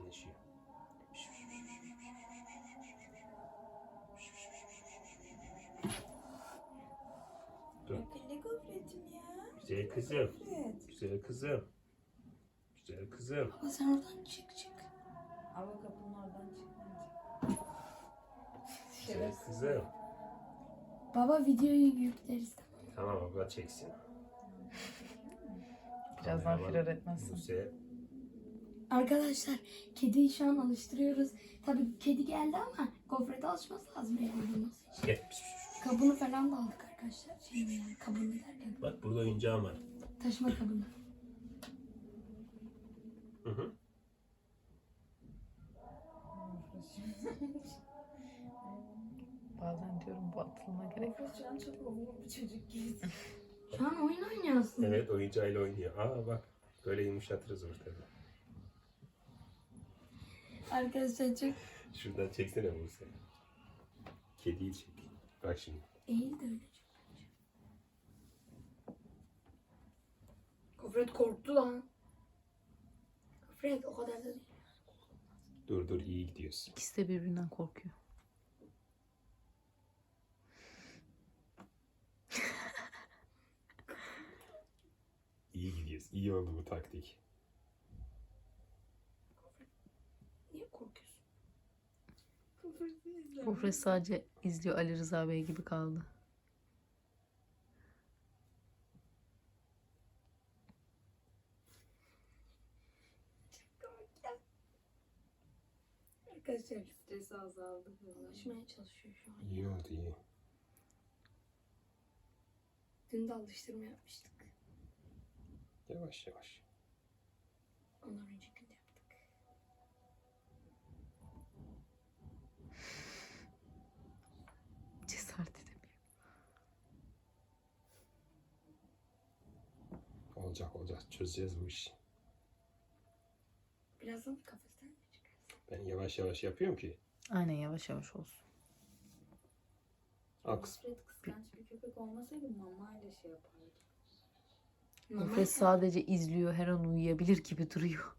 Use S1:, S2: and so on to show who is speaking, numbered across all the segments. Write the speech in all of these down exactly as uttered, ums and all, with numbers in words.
S1: sakinleşiyor. Dur.
S2: Ne gofretim ya?
S1: Güzel kızım.
S2: Gofret.
S1: Güzel kızım. Güzel kızım.
S3: Baba sen oradan çık çık.
S2: Ama kapının oradan çıkmayacak.
S1: Güzel kızım.
S3: Baba videoyu yükleriz.
S1: Tamam abla çeksin.
S4: Birazdan
S1: Kameraman
S4: firar etmezsin.
S1: Buse.
S3: Arkadaşlar kediyi şu an alıştırıyoruz. Tabii kedi geldi ama gofrete alışması lazım evde olması için.
S1: Gel.
S3: Kabını falan da aldık arkadaşlar. Şey yani kabını derken
S1: Bak burada oyuncağım var.
S3: taşıma kabını.
S1: Hı hı.
S4: Bazen diyorum bu atılma gerek yok.
S2: Şu an çok olumlu bir çocuk gibi.
S3: Şu an oyun oynuyorsun.
S1: Evet oyuncağıyla oynuyor. Aa bak böyle yumuşatırız ortada.
S3: Arkadaşlar çok
S1: Şuradan çeksene Buse. Kediyi çek. Bak şimdi.
S3: eğil de öyle çok bence. Gofret korktu lan. Gofret o kadar da değil.
S1: Dur dur iyi gidiyorsun.
S4: İkisi de birbirinden korkuyor.
S1: İyi gidiyorsun. İyi oldu bu taktik.
S3: Niye korkuyorsun?
S4: Gofret sadece izliyor, Ali Rıza Bey gibi kaldı.
S3: Arkadaşlar
S2: Stresi azaldı.
S3: alışmaya çalışıyor şu an.
S1: İyi oldu iyi.
S3: Dün de alıştırma yapmıştık.
S1: Yavaş yavaş.
S3: Ondan önceki gün de yaptık.
S4: Cesaret edemiyor.
S1: Olacak olacak. Çözeceğiz bu işi.
S3: Birazdan da kafesten mi çıkarsın?
S1: Ben yavaş yavaş yapıyorum ki.
S4: Aynen yavaş yavaş olsun.
S1: Aks.
S2: Gofret kıskanç bir köpek olmasaydı mamayla şey yapardı.
S4: Gofret sadece izliyor, her an uyuyabilir gibi duruyor.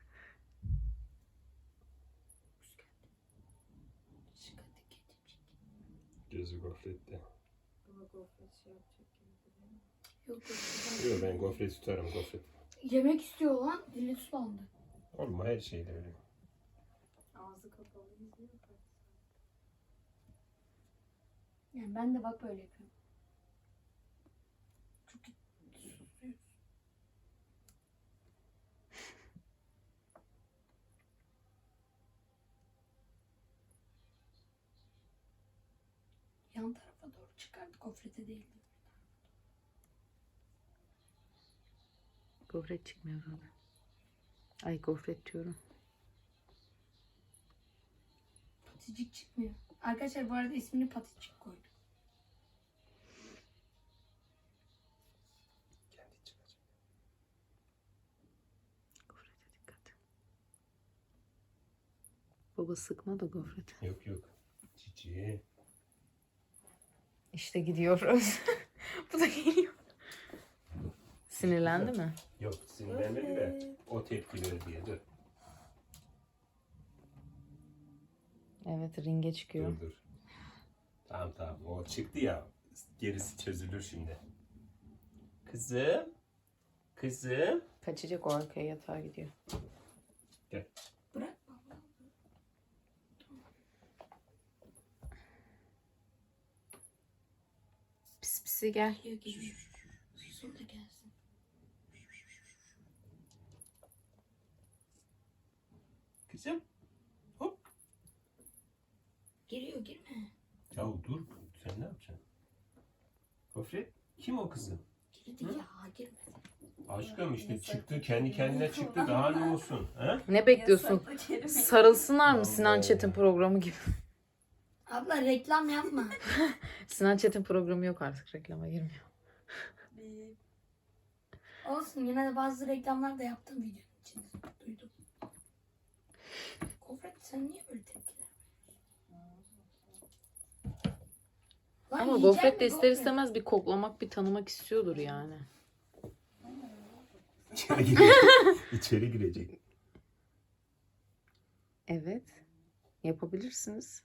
S3: Çıkardı kedicik.
S1: Gözü gofrette.
S2: Baba gofret şey yapacak gibi duruyor.
S3: Yok yok.
S1: Yok ben gofret tutarım gofret.
S3: Yemek istiyor lan. Dili sulandı.
S1: Olma her şeyde öyle.
S2: Ağzı kapalı izliyor.
S3: Yani ben de bak böyle yapıyorum. Çok susuyoruz. Yan tarafa doğru çıkardı. Gofrete değildi.
S4: Gofret çıkmıyor orada. Ay gofret diyorum.
S3: Paticik çıkmıyor. Arkadaşlar bu arada ismini Paticik koydum.
S1: Kendi çıkacak.
S4: Gofrete dikkat. Baba sıkma da gofret.
S1: Yok yok. Cici.
S4: İşte gidiyoruz. Bu da geliyor. Sinirlendi mi?
S1: Yok sinirlenmedi de o tepkileri diye dur.
S4: Evet, ringe çıkıyor.
S1: Dur dur. Tamam tamam o çıktı ya. Gerisi çözülür şimdi. Kızım. Kızım.
S4: Kaçacak, o arkaya yatağa gidiyor.
S1: Gel.
S3: Bırakma.
S4: Pis pisi gel.
S3: Geliyor geliyor. Susun da gelsin.
S1: Kızım. Hop.
S3: Geliyor girme.
S1: Ya dur. Sen ne yapacaksın? Gofret. Kim o kızım?
S3: Girdi ya girme.
S1: Aşkım işte çıktı. Kendi kendine çıktı. Daha ne olsun? He?
S4: Ne bekliyorsun?
S2: Yasaklı kelime.
S4: Sarılsınlar mı Sinan
S1: Allah.
S4: Çetin programı gibi?
S3: Abla reklam yapma.
S4: Sinan Çetin programı yok artık, reklama girmiyor.
S2: Bir
S3: Olsun yine de bazı reklamlar da yaptım videonun içinde. Duydum. Gofret sen niye böyle tepkiler veriyorsun? Lan
S4: Ama
S3: yiyecek
S4: gofret de
S3: mi
S4: ister
S3: gofret?
S4: istemez bir koklamak, bir tanımak istiyordur yani.
S1: İçeri girecek. İçeri girecek.
S4: Evet. Yapabilirsiniz.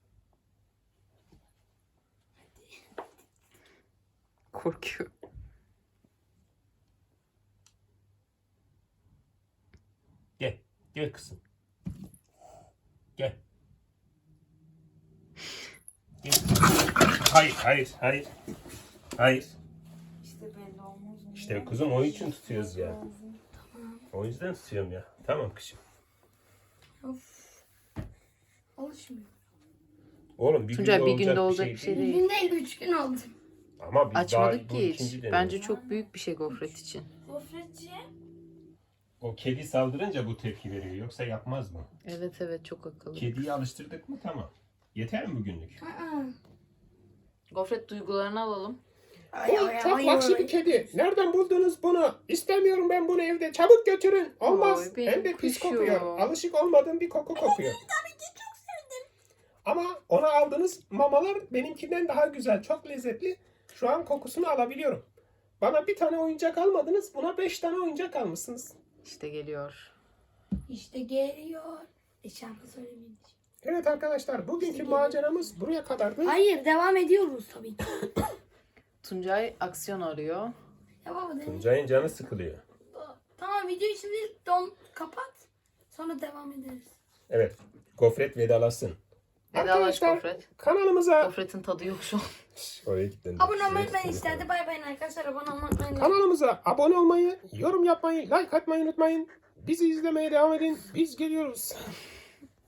S4: Korkuyor.
S1: Gel. Gel kızım. Gel. Gel. Hayır, hayır, hayır. Hayır.
S2: İşte belli olmaz.
S1: İşte kızım onun için tutuyoruz ya.
S2: Tamam.
S1: O yüzden tutuyorum ya. Tamam kızım.
S3: Of. Alışmıyor.
S1: Oğlum bir
S4: Tuncay,
S1: günde
S4: bir günde
S1: olacak
S4: olacak bir şey
S3: Bir
S4: değil.
S3: gün değil üç gün oldu.
S1: Ama biz
S4: Açmadık
S1: daha bu
S4: ki hiç.
S1: ikinci deneyim.
S4: Bence çok büyük bir şey gofret için.
S2: Gofretçi.
S1: O kedi saldırınca bu tepki veriyor. Yoksa yapmaz mı?
S4: Evet evet, çok akıllı.
S1: Kediyi alıştırdık mı tamam. Yeter mi bugünlük?
S3: Aa.
S4: Gofret duygularını alalım.
S3: Ay, ay,
S5: Çok
S3: ay,
S5: vahşi
S3: ay.
S5: bir kedi. Nereden buldunuz bunu? İstemiyorum ben bunu evde. Çabuk götürün. Olmaz.
S4: Oy, benim
S5: Hem de pis
S4: kuşum.
S5: kokuyor. Alışık olmadığım bir koku kokuyor.
S3: Tabii ki çok sevdim.
S5: Ama ona aldığınız mamalar benimkinden daha güzel. Çok lezzetli. Şu an kokusunu alabiliyorum. Bana bir tane oyuncak almadınız. Buna beş tane oyuncak almışsınız.
S4: İşte geliyor.
S3: İşte geliyor. E şarkı söylemeyin.
S5: Evet arkadaşlar, bugünkü maceramız buraya kadardı.
S3: Hayır, devam ediyoruz tabii ki.
S4: Tuncay aksiyon arıyor.
S3: Ya baba dedim.
S1: Tuncay'ın canı sıkılıyor.
S3: Tamam, videoyu şimdi don kapat. Sonra devam ederiz.
S1: Evet. Gofret vedalasın.
S4: Vedalaş
S5: Arkadaşlar,
S4: gofret.
S5: kanalımıza
S4: Gofretin tadı yok şu an.
S1: Oraya gittin.
S3: Abone olmayı unutmayın işte. Hadi bay bay arkadaşlar. Abone olmayı unutmayın.
S5: kanalımıza abone olmayı, yorum yapmayı, like atmayı unutmayın. Bizi izlemeye devam edin. Biz geliyoruz.